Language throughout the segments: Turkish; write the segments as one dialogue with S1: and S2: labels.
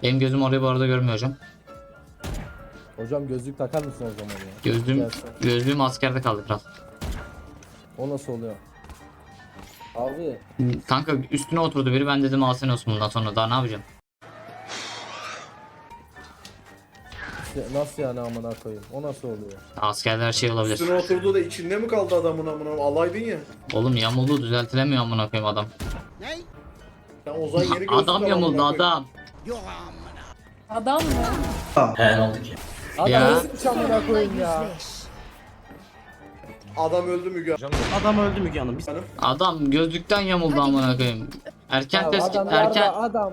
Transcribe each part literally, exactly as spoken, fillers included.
S1: Benim gözüm orayı bu arada görmüyor hocam.
S2: Hocam gözlük takar mısın o zaman ya?
S1: Gözlüğüm,
S2: Gelsin.
S1: gözlüğüm askerde kaldı kral.
S2: O nasıl oluyor? Abi.
S1: Kanka üstüne oturdu biri, ben dedim al sen olsun bundan sonra, daha ne yapacağım?
S2: Nasıl yani amına koyayım? O nasıl oluyor?
S1: Askerde her şey olabilir.
S3: Üstüne oturduğu da içinde mi kaldı adamın amına? Alaydın ya.
S1: Oğlum yamuldu, düzeltilemiyor amına koyayım adam.
S3: Sen Ozan yeni gözlük
S1: Adam
S3: al
S1: yamuldu
S3: amına koyayım.
S1: adam.
S4: Adam mı?
S1: He ne oldu ki?
S2: Adam
S1: Ya.
S2: nasıl amına koyayım ya?
S3: Adam öldü Müge
S5: Adam öldü Müge Hanım. Biz...
S3: Hanım.
S1: Adam gözlükten yamuldu amına koyayım. Erken
S2: Ya
S1: test
S2: adam
S1: erken.
S2: yarda adam.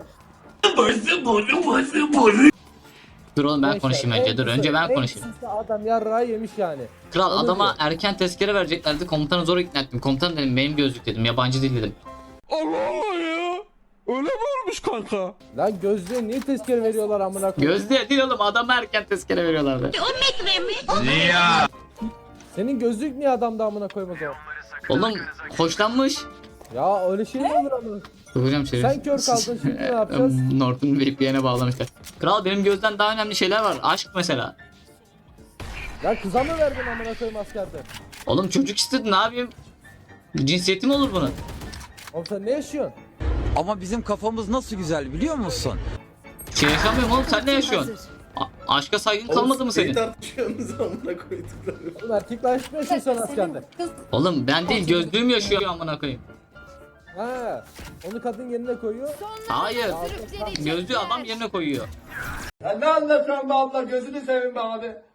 S1: Dur oğlum ben
S2: Neyse,
S1: konuşayım
S2: en
S1: önce. Dur
S2: kısa-
S1: önce ben
S2: en
S1: konuşayım.
S2: kısası adam yarrağı yemiş yani.
S1: Kral
S2: Onu
S1: adama
S2: diyor.
S1: erken tezkere vereceklerdi. Komutanı zor ikna ettim. Komutan dedim benim gözlük dedim. Yabancı dil dedim.
S6: Allah Allah ya. Öyle mi olmuş kanka?
S2: Lan gözlüğe niye tezkere veriyorlar amına koyayım?
S1: Gözlüğe değil oğlum, adama erken tezkere veriyorlardı.
S2: Senin gözlük niye adamda amına koyayım o zaman?
S1: Oğlum hoşlanmış.
S2: Ya öyle şey mi olur amına?
S1: Hocam şey.
S2: Sen kör kaldın, şimdi ne yapacağız?
S1: Norton V P N'e bağlamışlar. Kral benim gözden daha önemli şeyler var. Aşk mesela.
S2: Ya kıza mı verdin amına koyayım askerde?
S1: Oğlum çocuk istedi, ne yapayım? Cinsiyeti mi olur bunun?
S2: Oğlum sen ne yaşıyorsun?
S7: Ama bizim kafamız nasıl güzel biliyor musun?
S1: Şey yaşamıyorum oğlum, sen ne yaşıyorsun? A- aşka saygın kalmadı mı senin?
S3: Neyi tartışıyorsunuz amına koydukları?
S2: Oğlum erkekle aşk mı yaşıyorsun sen askerde?
S4: Kız
S1: Oğlum ben değil, gözlüğüm yaşıyor amına koyayım.
S2: Ha, onu kadın yerine koyuyor.
S1: Hayır. Gözlüğü adam yerine koyuyor.
S8: Ya ne anlatıyorsun be abla, gözünü seveyim be abi.